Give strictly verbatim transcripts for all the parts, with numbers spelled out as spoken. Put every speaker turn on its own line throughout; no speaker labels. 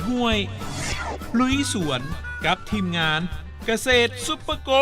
ห้วยลุยสวนกับทีมงานเกษตรซุปเปอร์โก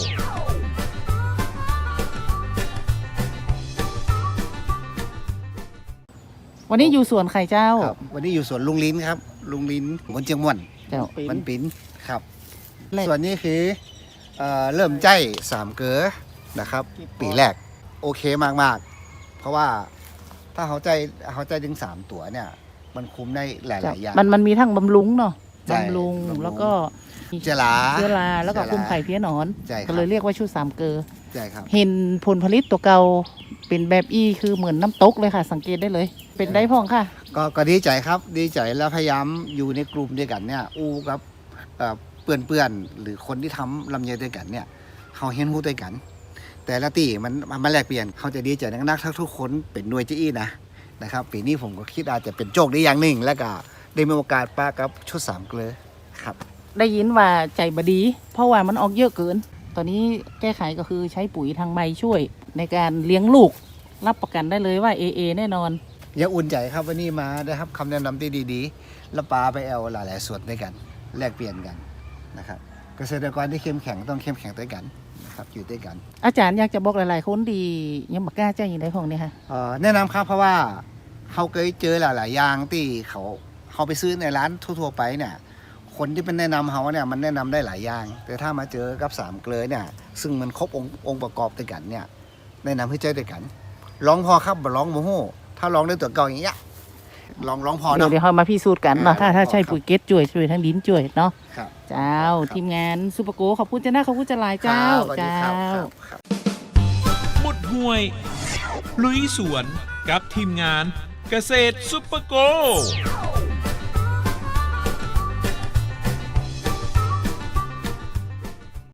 วันนี้อยู่สวนไข่เจ้า
ครับวันนี้อยู่สวนลุงลิ้นครับลุงลิ้นบนเชียงม่วน
เจ้า
มันปิ้นครับ
แรก
ส่วนนี้คือเอ่อเริ่มใจสามเกลือนะครับ ปีแรกโอเคมากๆ เพราะว่าถ้าเขาใจเขาใจถึงสามตัวเนี่ย มันคุ้มได้หลายๆอย่าง
มันมันมีทั้งบำรุงเนาะ
ใช่
บำรุง
บำรุง
แล้วก็
เจลา
เชื้อราแล้วก็
เชื้อรา
คุมไข่เพี้ยหนอน
ใช่ครับ
ก็เลยเรียกว่าชุดสามเกลอ
ใช่ครับ
เห็นผลผลิตตัวเก่าเป็นแบบอี้คือเหมือนน้ำตกเลยค่ะ สังเกตได้เลย เป็นได้พ่องค่ะ
ก็ก็ดีใจครับดีใจแล้วพยายามอยู่ในกลุ่มด้วยกันเนี่ยอู้กับเอ่อเพื่อนเพื่อนๆหรือคนที่ทำลำไยด้วยกันเนี่ยเขาเห็นหูด้วยกัน แต่ละตีมันมันมาแลกเปลี่ยนเขาจะดีใจนักๆถ้าทุกคนเป็นหน่วยจี้นะนะครับปีนี้ผมก็คิดอาจจะเป็นโชคดีอย่างหนึ่งแล้วก็ได้มีโอกาสป้ากับชุดสามเกลือครับ
ได้ยินว่าใจบดี เพราะว่ามันออกเยอะเกิน ตอนนี้แก้ไขก็คือใช้ปุ๋ยทางใบช่วยในการเลี้ยงลูก รับประกันได้เลยว่า เอ เอ แน่นอน
ยังอุ่นใจครับวันนี้มาได้ครับคำแนะนำที่ดีๆ แล้วปาไปแอลหลายๆส่วนด้วยกัน แลกเปลี่ยนกันนะครับเกษตรกรที่เข้มแข็งต้องเข้มแข็งด้วยกันนะครับอยู่ด้วยกัน
อาจารย์อยากจะบอกหลายๆคนดียังบักกล้าแจ้งอย่างไรพ่องเนี่ยค่ะ
เอ่อแนะนำครับเพราะว่าเขาเคยเจอหลายๆอย่างที่เขาเขาไปซื้อในร้านทั่วๆไปเนี่ยคนที่เป็นแนะนำเขาเนี่ยมันแนะนำได้หลายอย่าง แต่ถ้ามาเจอกับสามเกลือเนี่ยซึ่งมันครบองค์องค์ประกอบด้วยกันเนี่ยแนะนำให้เจอด้วยกันลองพอครับบ่ลองโมโหถ้าลองด้วยตัวเก่าอย่างเงี้ยลองลองพอ
เดี๋ยว
เนาะ
เดี๋ยวเรามาพิสูจน์กันเนาะ
อ่า
ถ้าถ้าใช่
ครับ
ปุ๋ยเกตจ่วยช่วยทั้งดินจ่วยเนาะ
ครับ
เจ้า
ครับ
ทีมงานซูเปอร์โกขอบคุณเจ้าหน้าขอบคุณเจ้าหลายเจ้า
ครับสวัสดี
เจ้า
ครับครับ
มุดห้วยลุยสวนกับทีมงานเกษตรซุปเปอร์โก